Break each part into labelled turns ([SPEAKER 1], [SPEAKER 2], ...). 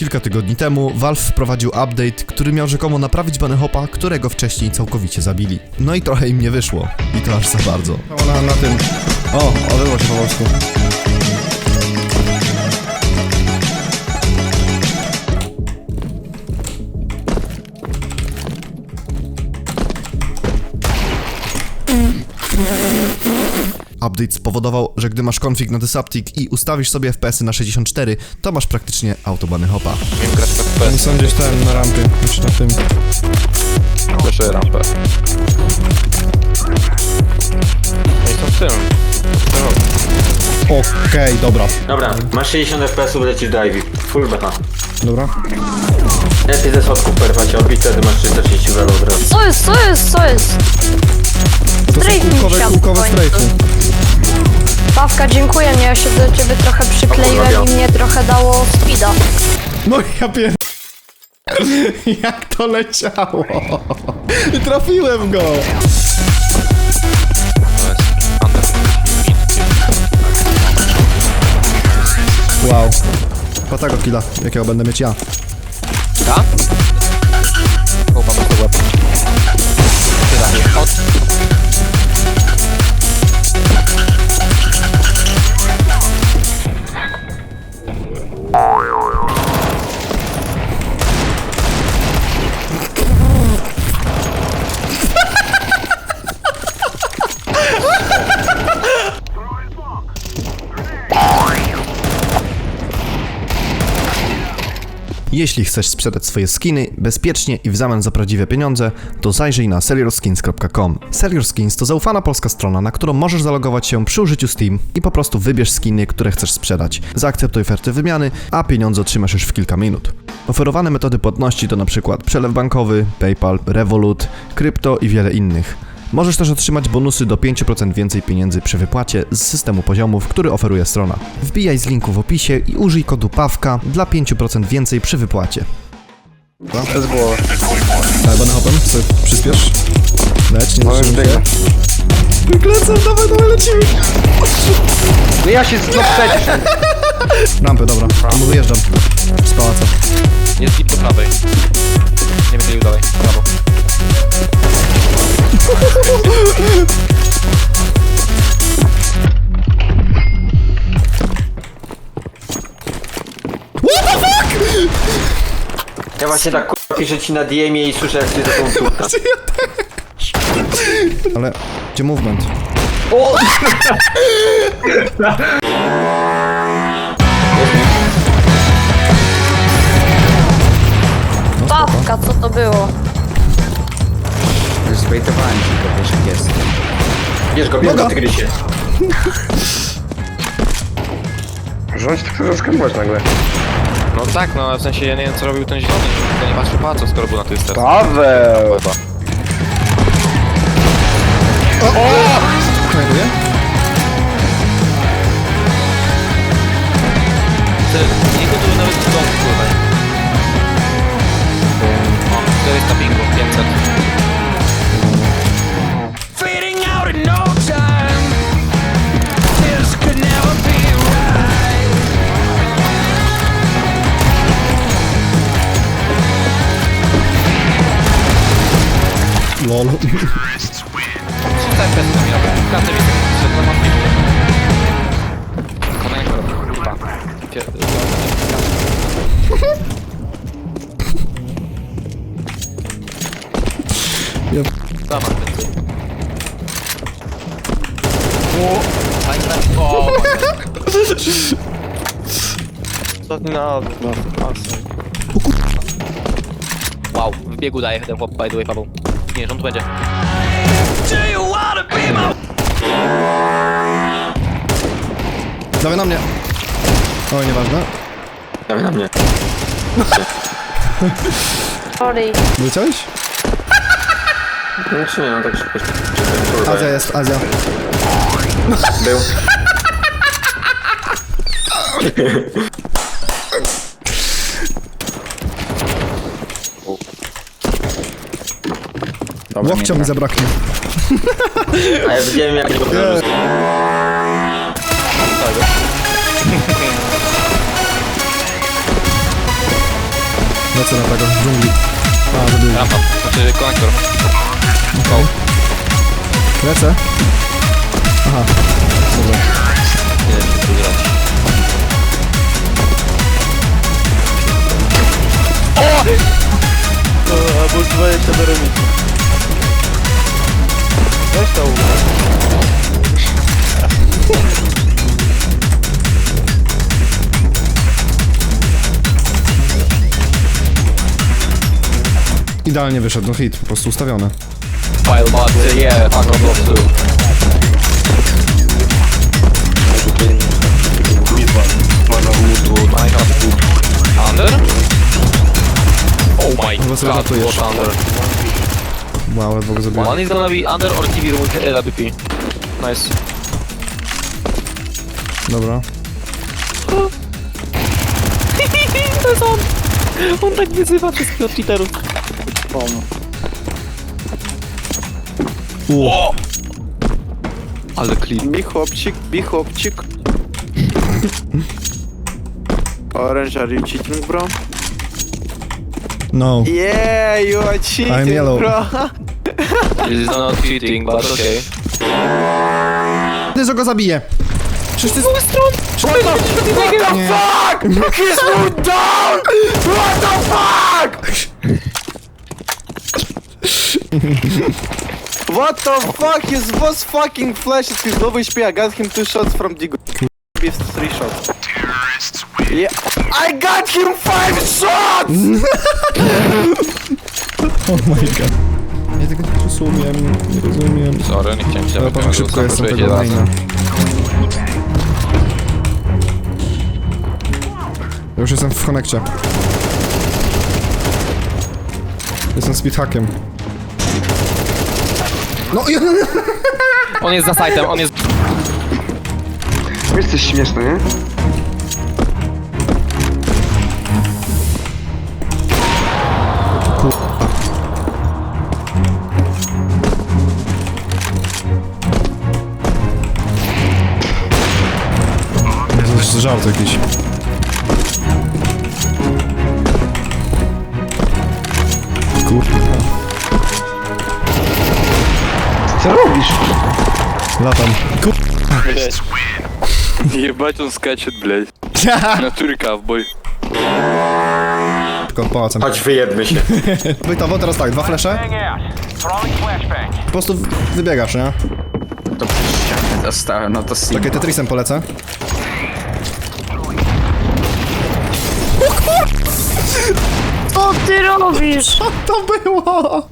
[SPEAKER 1] Kilka tygodni temu Valve wprowadził update, który miał rzekomo naprawić Bunny Hopa, którego wcześniej całkowicie zabili. No i trochę im nie wyszło. I to aż za bardzo.
[SPEAKER 2] Na tym. O, odbyło się po polsku.
[SPEAKER 1] Update spowodował, że gdy masz config na Dysaptic i ustawisz sobie FPS-y na 64, to masz praktycznie auto Bunny Hopa.
[SPEAKER 3] Wiem grać na
[SPEAKER 2] Oni
[SPEAKER 3] FPS.
[SPEAKER 2] są gdzieś tam na rampie, znaczy na tym.
[SPEAKER 3] Proszę rampę. No i są w tym.
[SPEAKER 2] Okej, dobra.
[SPEAKER 4] Dobra, masz 60 FPS-ów, lecisz do Ivy. Full beta.
[SPEAKER 2] Dobra.
[SPEAKER 4] Lepiej ze schodków perwać odbić, wtedy masz 330 welo od razu.
[SPEAKER 5] Co jest?
[SPEAKER 2] To są
[SPEAKER 5] Strajk mi siadł
[SPEAKER 2] kółkowe
[SPEAKER 5] w końcu.
[SPEAKER 2] strajki.
[SPEAKER 5] Pawka, dziękuję, ja się do ciebie trochę przykleiłem i mnie trochę dało speeda.
[SPEAKER 2] No ja pier... Jak to leciało? I trafiłem go!
[SPEAKER 3] To jest under.
[SPEAKER 2] Wow. Patego killa, jakiego będę mieć ja.
[SPEAKER 3] Da? O, mam to łeb. Tyle. Od...
[SPEAKER 1] Jeśli chcesz sprzedać swoje skiny bezpiecznie i w zamian za prawdziwe pieniądze, to zajrzyj na sellyourskins.com. Sellyourskins to zaufana polska strona, na którą możesz zalogować się przy użyciu Steam i po prostu wybierz skiny, które chcesz sprzedać. Zaakceptuj ofertę wymiany, a pieniądze otrzymasz już w kilka minut. Oferowane metody płatności to np. przelew bankowy, PayPal, Revolut, krypto i wiele innych. Możesz też otrzymać bonusy do 5% więcej pieniędzy przy wypłacie z systemu poziomów, który oferuje strona. Wbijaj z linku w opisie i użyj kodu PAWKA dla 5% więcej przy wypłacie.
[SPEAKER 3] To jest głowa.
[SPEAKER 2] Ale Bunny Hopem, sobie przyspiesz. Leć, nie zatrzymaj się. Lecę, dawaj, lecimy!
[SPEAKER 3] No ja się znów przecież.
[SPEAKER 2] Rampy, dobra. To mu wyjeżdżam. Z pałaca.
[SPEAKER 3] Jest deep do prawej. Nie będę ił dalej. Prawo.
[SPEAKER 4] Ja właśnie tak piszę ci na DM-ie i słyszę, jak się to tą turka.
[SPEAKER 2] Ale... Gdzie movement?
[SPEAKER 5] Pawka, co to było?
[SPEAKER 6] Zbejtowałem ci go, wiesz jak jest.
[SPEAKER 4] Bierz go, tygrysie.
[SPEAKER 3] Rządź tak zaskamować nagle. No tak, no w sensie ja nie wiem co robił ten zielony, że nie patrzył po co, skoro był na tej sterce. Paweł!
[SPEAKER 2] Znajduję?
[SPEAKER 3] Nie gotuję nawet w domu, kurwa. O, to jest na bingo, 500.
[SPEAKER 7] Fading out in no time. This could never be right.
[SPEAKER 2] LOL.
[SPEAKER 3] Tak, bez kamienia, każdy wie, że to ma pięknie. Konektor, kurwa.
[SPEAKER 2] Ja...
[SPEAKER 3] Dama, ty. O, ostatni na wow, w biegu daje ten chłop, by the way, Paweł. Nie, że on tu będzie.
[SPEAKER 7] Do you wanna be my
[SPEAKER 2] Dawaj na mnie. Oj, nieważne.
[SPEAKER 4] Dawaj na mnie.
[SPEAKER 5] Sorry.
[SPEAKER 2] Wyleciałeś?
[SPEAKER 4] No czy nie, no tak szybko.
[SPEAKER 2] Azja jest, Azja.
[SPEAKER 4] Był.
[SPEAKER 2] Łokcia mi zabraknie.
[SPEAKER 4] A ja widziałem jak go
[SPEAKER 2] Lecę na tego, w dżungli. A, zabił.
[SPEAKER 3] Rampa, znaczy konektor.
[SPEAKER 2] Lecę. Aha. Dobra.
[SPEAKER 3] Nie wiem, czy tu grać.
[SPEAKER 8] Albo 20 do remisu. Weź to
[SPEAKER 2] Idealnie wyszedł, no hit, po prostu ustawiony.
[SPEAKER 3] File mod, yeah, fuck on block 2. Under? Oh my
[SPEAKER 2] Chyba sobie
[SPEAKER 3] god,
[SPEAKER 2] żartujesz.
[SPEAKER 3] what under?
[SPEAKER 2] Wow, ledwo go zabiłem.
[SPEAKER 3] One is gonna be under or TV room with LWP. Nice.
[SPEAKER 2] Dobra.
[SPEAKER 3] To jest on! On tak wyzywa wszystkich od cheaterów. O! Ale clean.
[SPEAKER 8] Be chłopczyk. Orange, are you cheating, bro?
[SPEAKER 2] No.
[SPEAKER 8] Yeah, you are cheating,
[SPEAKER 2] I'm yellow.
[SPEAKER 8] bro.
[SPEAKER 3] This is not cheating, but okay.
[SPEAKER 2] Ty, że go zabiję! Przecież ty... Nie.
[SPEAKER 8] He's moved down! What the fuck? What the fuck? He was fucking flashes his low HP. I got him 2 shots from Digo. 3 shots. Yeah, I got him 5 shots!
[SPEAKER 2] Oh my god. Ja tego nie rozumiem, nie rozumiem.
[SPEAKER 3] Sorry, nie chciałem się
[SPEAKER 2] Ale powiem szybko, jestem tego maina. Ja już jestem w konekcie. Jestem speedhackiem. No i...
[SPEAKER 3] On jest za sajtem, on jest...
[SPEAKER 9] Jesteś śmieszny, nie?
[SPEAKER 2] To jest żart jakiś. Kurwa.
[SPEAKER 9] Co robisz?
[SPEAKER 2] Latam.
[SPEAKER 8] Ебать, он скачет, блядь. Натуре ковбой.
[SPEAKER 2] Tylko pałacem.
[SPEAKER 4] Chodź, wyjedmy się.
[SPEAKER 2] Bytowo, teraz tak, 2 flesze. Po prostu wybiegasz, nie?
[SPEAKER 6] To przez ścianę dostałem, no to sim.
[SPEAKER 2] Takie Tetrisem polecę.
[SPEAKER 5] Co ty robisz?
[SPEAKER 2] To było!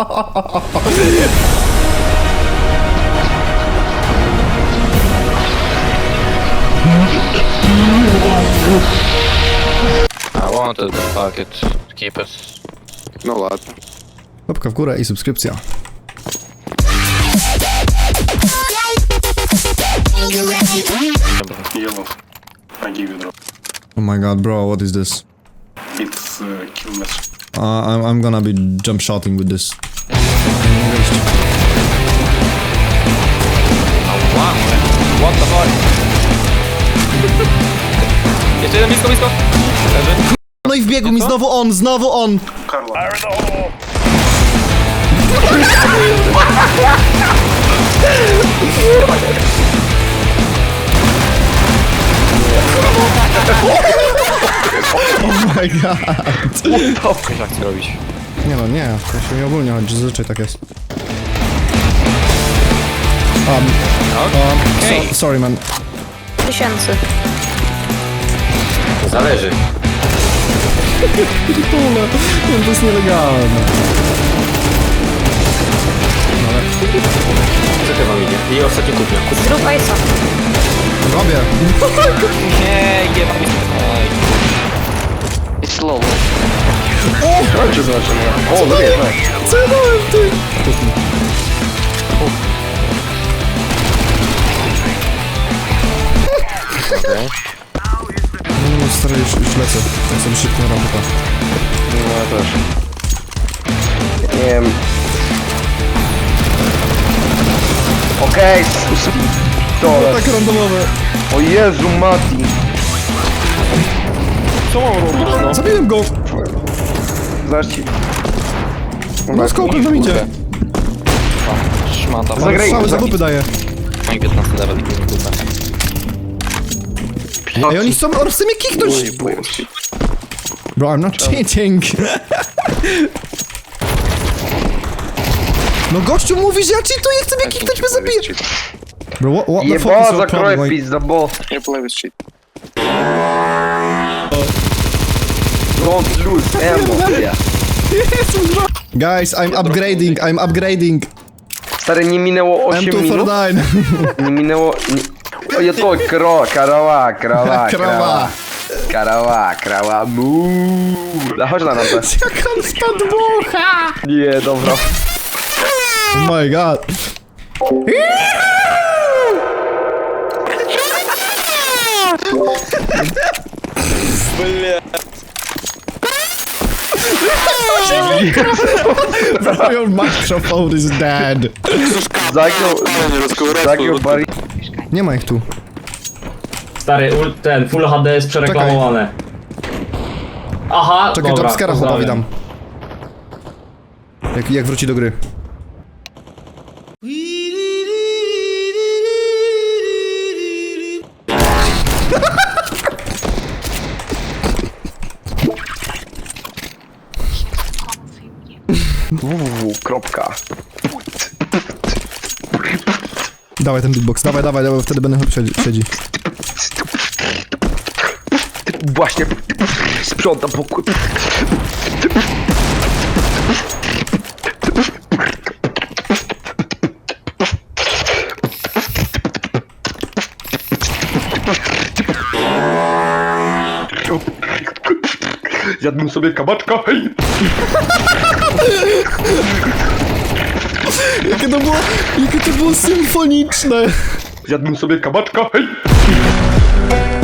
[SPEAKER 3] I wanted the packet. Keep it.
[SPEAKER 8] Ну ладно.
[SPEAKER 2] Łapka w górę i subskrypcja.
[SPEAKER 10] Yellow. I give you drop.
[SPEAKER 2] Oh my god, bro, what is this?
[SPEAKER 10] It's kill match.
[SPEAKER 2] I'm gonna be jump shotting with this.
[SPEAKER 3] Wow, what the fuck? Jeszcze jeden blisko, blisko. Leży.
[SPEAKER 2] No i wbiegł mi znowu on!
[SPEAKER 10] Carla.
[SPEAKER 2] Oh my god!
[SPEAKER 3] Coś jak chcę robić.
[SPEAKER 2] Nie no, nie, to się nie ogólnie chodzi, zazwyczaj tak jest. Sorry man.
[SPEAKER 5] 1000.
[SPEAKER 4] Zależy.
[SPEAKER 2] Pitule, to jest nielegalne.
[SPEAKER 4] Co ty wam idzie? I ostatni kupnia.
[SPEAKER 5] Zrób Ace'a.
[SPEAKER 2] Robię.
[SPEAKER 3] Nie, jeba mi. It's slow.
[SPEAKER 9] Chodźcie zobaczymy. O, dobry, tak.
[SPEAKER 2] Co ja dałem, ty?
[SPEAKER 3] Okej.
[SPEAKER 2] No stary, już lecę. Tak sobie szybko na rampę.
[SPEAKER 9] No ja też. Nie wiem. Okej, dole.
[SPEAKER 2] Tak randomowe.
[SPEAKER 9] O Jezu, Mati.
[SPEAKER 2] Zabiłem go!
[SPEAKER 9] Zaści.
[SPEAKER 2] No skąd nam idzie?
[SPEAKER 3] Szmata.
[SPEAKER 9] Zagraj.
[SPEAKER 2] Strzały za dupy daje.
[SPEAKER 3] No i 15 level.
[SPEAKER 2] Ej, oni chcą mnie kiknąć! Bro, I'm not cheating. No gościu mówi, że ja cheatuję, chce mnie kiknąć, mnie zabije. Bro, what the fuck is
[SPEAKER 9] Ебал,
[SPEAKER 2] your
[SPEAKER 9] закрой
[SPEAKER 2] problem? Like,
[SPEAKER 9] пиздобол. Don't lose ammo, бля.
[SPEAKER 2] guys, I'm upgrading.
[SPEAKER 9] Stary, nie minęło 8 minut.
[SPEAKER 2] M249.
[SPEAKER 9] Nie minęło... Nie... O, ja to krawa, muuu. Chodź na rampę.
[SPEAKER 2] Jak on stąd dmucha!
[SPEAKER 9] Nie, dobra.
[SPEAKER 2] Oh my god. Bro, your microphone is dead.
[SPEAKER 9] Zagiął bari...
[SPEAKER 2] Nie ma ich tu.
[SPEAKER 4] Stary, ten Full HD jest przereklamowane. Aha,
[SPEAKER 2] Czekaj,
[SPEAKER 4] dobra,
[SPEAKER 2] jumpscare'a chłopowi
[SPEAKER 4] pozdrawiam.
[SPEAKER 2] dam. Jak wróci do gry.
[SPEAKER 9] Kropka.
[SPEAKER 2] Dawaj ten beatbox, dawaj, wtedy będę siedzi.
[SPEAKER 9] Właśnie sprzątam pokój. Jadłem sobie kabaczka, hej!
[SPEAKER 2] Jakie to było symfoniczne!
[SPEAKER 9] Jadłem sobie kabaczka, hej!